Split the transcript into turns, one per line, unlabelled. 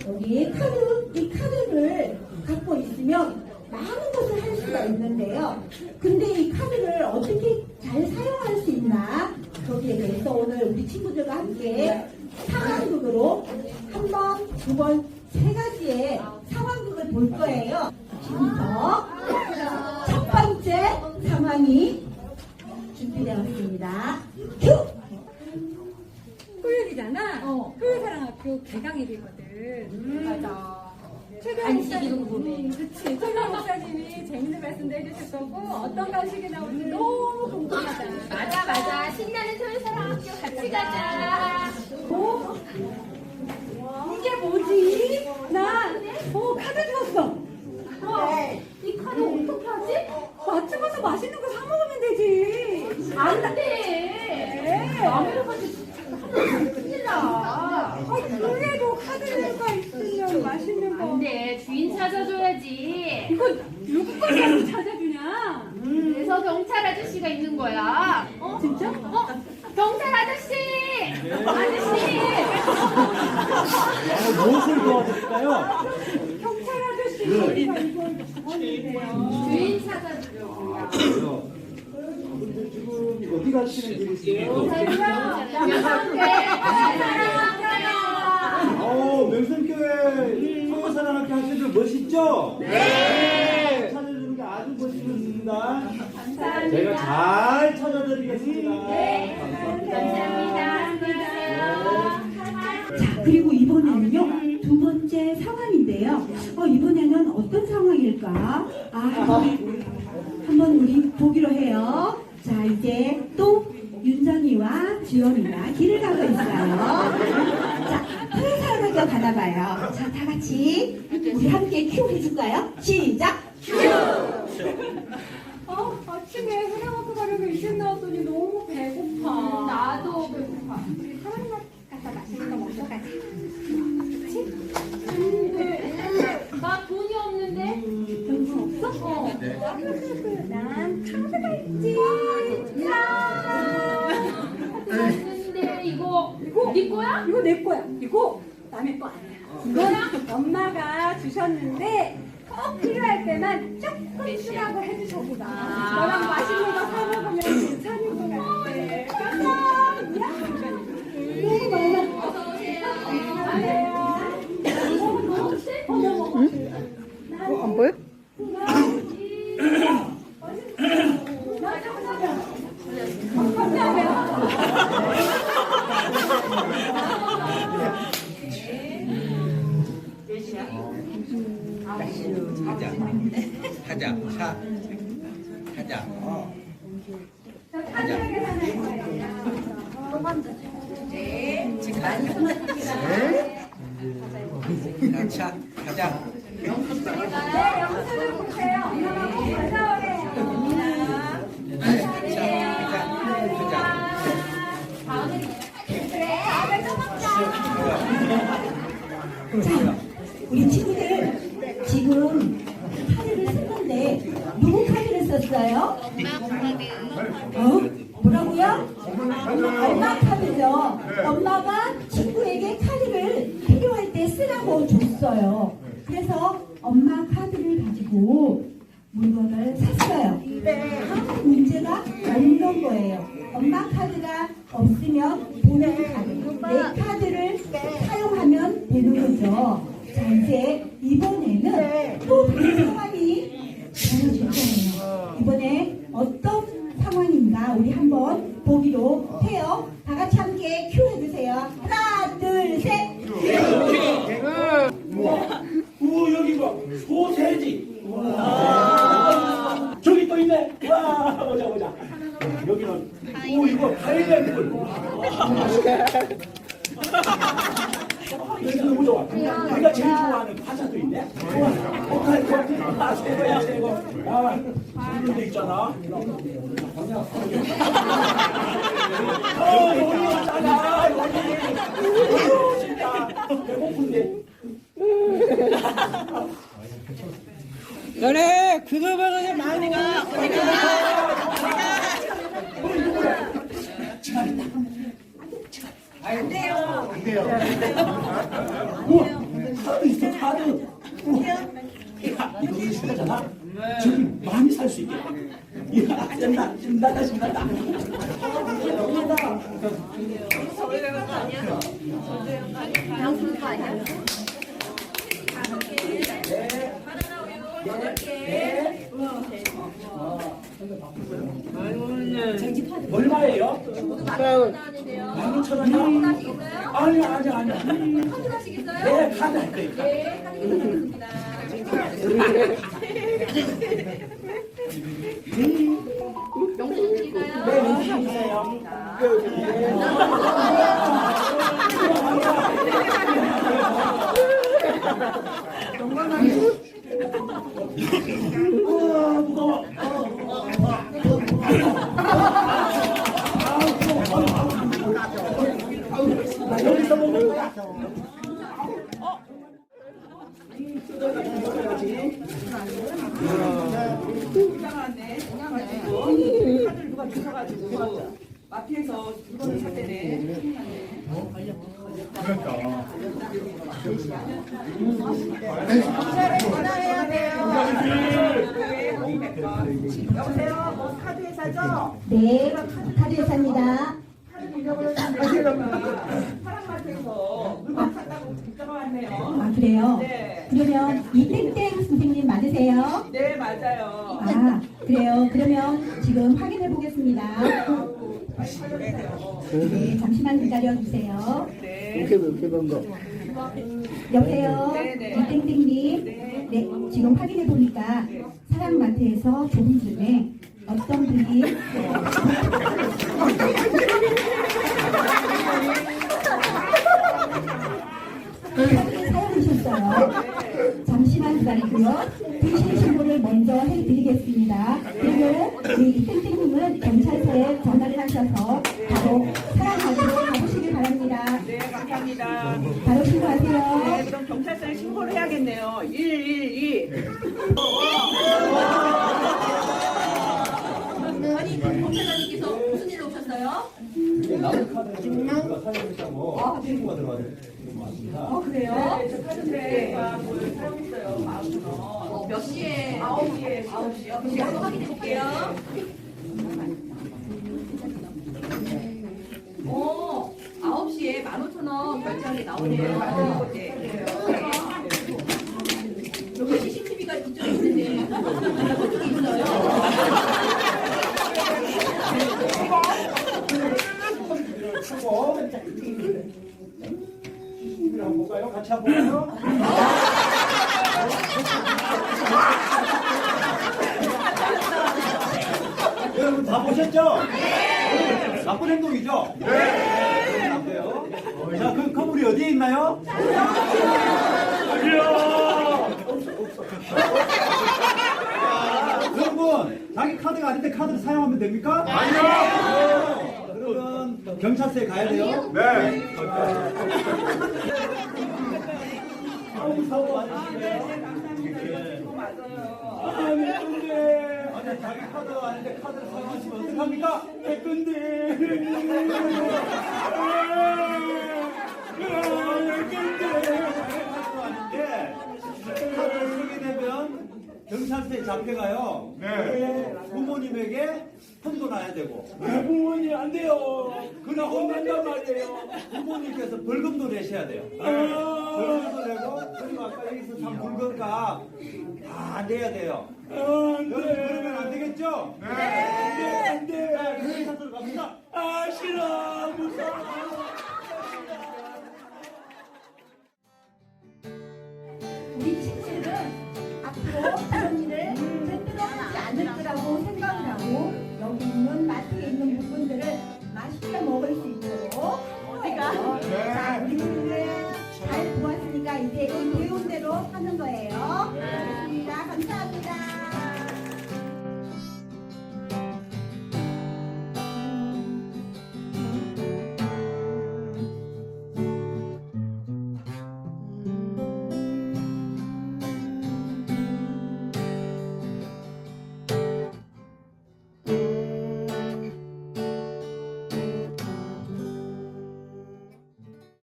여기 이 카드를 갖고 있으면 많은 것을 할 수가 있는데요. 근데 이 카드를 어떻게 잘 사용할 수 있나? 거기에 대해서 오늘 우리 친구들과 함께 상황극으로 한 번, 두 번, 세 가지의 상황극을 볼 거예요. 지금부터 첫 번째 상황이 준비되었습니다. 큐!
토요일이잖아. 토요일사랑학교 개강일이거든. 맞아.
간식이도 보네.
그치. 최강 목사님이 재밌는 말씀도 해주실 거고 어떤 간식이 나올지 너무 궁금하잖아.
맞아. 신나는 토요일사랑학교 같이 가자.
이게 뭐지? 나 카드 주웠어.
이 카드 어떻게 하지?
마트 가서 맛있는 거 사 먹으면 되지.
안 돼. 남의 가지고 큰일 나.
그래도 카드가 있으면 맛있는 거.
안 돼. 주인 찾아줘야지.
이거 누구 거라고 찾아주냐?
그래서 경찰 아저씨가 있는 거야.
진짜?
경찰 아저씨! 아저씨!
무엇을 도와드릴까요?
경찰 아저씨 저희가 이걸 주웠는데요.
주인 찾아주려고요.
지금 어디 가시는 길이세요? 명성교회 토요사랑학교 학생들 멋있죠? 네! 찾아주는 게 아주 멋있습니다.
감사합니다.
제가 잘 찾아드리겠습니다.
네. 감사합니다.
자, 그리고 이번에는요, 두 번째 상황인데요. 이번에는 어떤 상황일까? 한번 우리 보기로 해요. 자, 이제 또 윤정이와 주연이가 길을 가고 있어요. 자, 토요사랑학교 가나봐요. 자, 다 같이 우리 함께 큐 해줄까요? 시작! 큐!
아침에 사랑학교 가려고 일찍 나왔더니 너무 배고파.
나도 배고파.
우리 사랑학교 가서 맛있는 거 먹으러 가자.
나 돈이 없는데?
돈 없어? 난 카드가 있지.
없는데 이거 네 거야?
이거 내 거야. 이거 남의 거 아니야. 이건 엄마가 주셨는데 꼭 필요할 때만 조금 쓰라고 해주셨구나. 너랑 맛있는 거 사 먹으면 괜찮을 것 같아. 감사합니다. 너무 많아.
어서 오세요.
안 보여?
하자. 하자. 자, 가자.
네, 영수증 보세요. 엄마가 꼭 가져오래요.
자, 우리 친구들 지금 카드를 썼는데 누구 카드를 썼어요? 뭐라고요? 엄마 카드죠. 엄마가 친구에게 카드를 필요할 때 쓰라고 줬어요. 그래서 엄마 카드를 가지고 물건을 샀어요. 다음 문제가 없는 거예요. 엄마 카드가 없으면 본인 카드, 내 카드를 사용하면 되는 거죠. 자, 이제 이번에는 또 다른 상황이 벌어질 거예요. 이번에 어떤 상황인가 우리 한번 보기로 해요. 다 같이 함께 큐 해주세요. 하나, 둘, 셋.
우와, 여기 봐. 소세지. 저기 또 있네. 와, 보자. 여기는, 이거 파인애플. 여기 너무 좋아. 우리가 제일 좋아하는 과자도 있네. 좋아. 새거야, 새거. 이런 데 있잖아. 여기 있잖아. 여기. 진짜 배고픈데.
너네 그거 먹으면 많이 가.
안 돼요. 우와, 카드 있어, 카드. 야, 이거 신나잖아. 지금 많이 살 수 있겠다. 야, 신난다, 신난다. 얼마예요? 12,000원이요? 아니요. 네, 카드 할 거니까.
영수증 드릴까요?
네, 영수증 있어요. 무거워. 나 여기서 먹는 거야.
카드를 누가 주셔가지고 마트에서 물건을 살 때네. 전화해야 돼요. 여보세요. 뭐 카드 회사죠?
네, 카드 회사입니다.
카드 잃어버렸는데 사랑마트에서 물건 샀다고 문자가 왔네요.
아, 그래요?
네.
그러면 이땡땡 선생님 맞으세요?
네, 맞아요.
아, 그래요. 그러면 지금 확인해 보겠습니다.
빨리 살려주세요.
네, 잠시만 기다려 주세요.
네.
여보세요?
네네.
이땡땡님. 네, 지금 확인해 보니까 사랑마트에서 조금 전에 어떤 분이 카드를 사용하셨어요. 잠시만 기다리고요. 불신 신고를 먼저 해드리겠습니다. 그리고 이 땡땡님은 경찰서에 전화를 하셔서 바로 사랑마트로 가보시길 바랍니다.
네, 감사합니다.
바로 신고하세요.
네, 그럼 경찰서에 신고를 해야겠네요. 112.
아니, 검사장님께서 무슨 일로 오셨어요?
남은 카드를 누가 사용했다고 신고가 들어왔습니다.
그래요? 네, 저 카드인데 뭘 사용했어요. 15,000원.
몇 시에?
9시에.
9시요? 그럼 제가 한번 확인해 볼게요. 오, 9시에 15,000원 결제한 게 나오네요.
네.
여기 CCTV가 이쪽에 있는데 저쪽에 있어요.
수고. 한번 볼까요? 같이 한번 볼까요? 여러분 다 보셨죠? 나쁜 행동이죠? 네. 안 돼요. 자, 그 건물이 어디에 있나요? 여러분, 자기 카드가 아닌데 카드를 사용하면 됩니까? 아니요. 그러면 경찰서에 가야 돼요? 네. 아우, 사고 많으시네. 아니, 근데. 아니, 자기 카드가 아닌데 카드를 사용하시면 어떡합니까? 근데. 카드를 쓰게 되면 경찰서에 잡혀가요. 네. 부모님에게 혼도 나야 되고. 부모님 안 돼요. 그냥 혼낸단 말이에요. 부모님께서 벌금도 내셔야 돼요. 벌금도 내고 그리고 아까 여기서 산 물건값 다 내야 돼요. 여러분 그러면 안 되겠죠? 네. 안 돼. 네. 경찰서로 갑니다. 아 싫어 무서워.
우리 친구들은 앞으로 그런 일을 절대로 하지 않을 거라고 생각을 하고 여기 있는 마트에 있는 물건들을 맛있게 먹을 수 있도록 할 거예요. 자, 우리 친구들 잘 보았으니까 이제 이 배운 대로 하는 거예요.